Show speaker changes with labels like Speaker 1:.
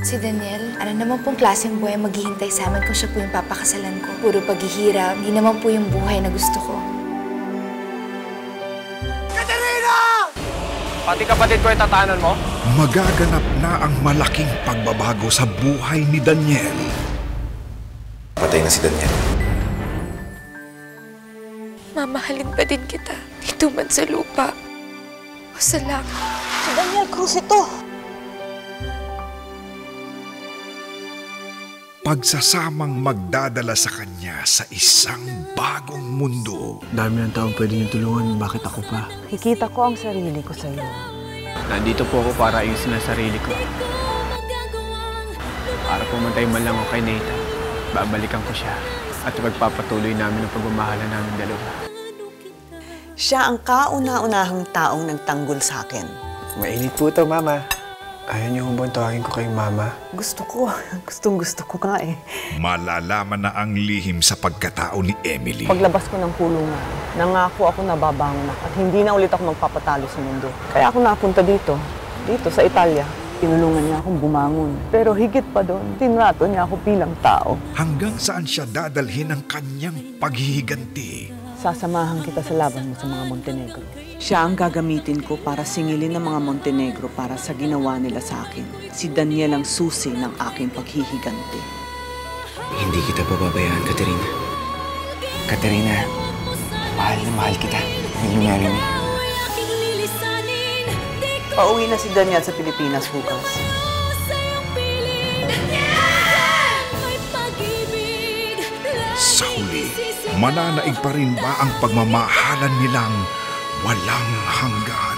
Speaker 1: Si Daniel, ano naman pong klaseng buhay maghihintay sa amin kung siya po yung papakasalan ko? Puro paghihirap, hindi naman po yung buhay na gusto ko.
Speaker 2: Katerina! Pati kapatid ko itatanan mo?
Speaker 3: Magaganap na ang malaking pagbabago sa buhay ni Daniel.
Speaker 4: Patay na si Daniel.
Speaker 1: Mamahalin pa din kita, dito man sa lupa o sa langit.
Speaker 5: Si Daniel Cruz ito!
Speaker 3: Pagsasamang magdadala sa kanya sa isang bagong mundo.
Speaker 6: Dami ng taong pwede niyo tulungan, bakit ako pa?
Speaker 5: Kikita ko ang sarili ko sa'yo.
Speaker 6: Nandito po ako para ayusin ang sarili ko. Para pumatay man lang ako kay Nathan, babalikan ko siya at pagpapatuloy namin ang pagmamahalan namin dalawa.
Speaker 5: Siya ang kauna-unahang taong nagtanggol sa akin.
Speaker 6: Mainit po ito, Mama. Ayaw niyo bang tawagin ko kayong Mama?
Speaker 5: Gusto ko. Gustong-gusto ko nga eh.
Speaker 3: Malalaman na ang lihim sa pagkatao ni Emily.
Speaker 5: Paglabas ko ng kulungan, nangako ako na babangon at hindi na ulit ako magpapatalo sa mundo. Kaya ako napunta dito sa Italia. Tinulungan niya akong bumangon. Pero higit pa doon, tinrato niya ako bilang tao.
Speaker 3: Hanggang saan siya dadalhin ang kanyang paghihiganti?
Speaker 5: Sasamahan kita sa laban mo sa mga Montenegro. Siya ang gagamitin ko para singilin ng mga Montenegro para sa ginawa nila sa akin. Si Daniel ang susi ng aking paghihiganti.
Speaker 6: Hindi kita pababayaan, Katerina. Katerina, mahal na mahal kita. Will you marry me?
Speaker 5: Pauwi na si Daniel sa Pilipinas bukas.
Speaker 3: Sa huli, mananaig pa rin ba ang pagmamahalan nilang walang hanggan?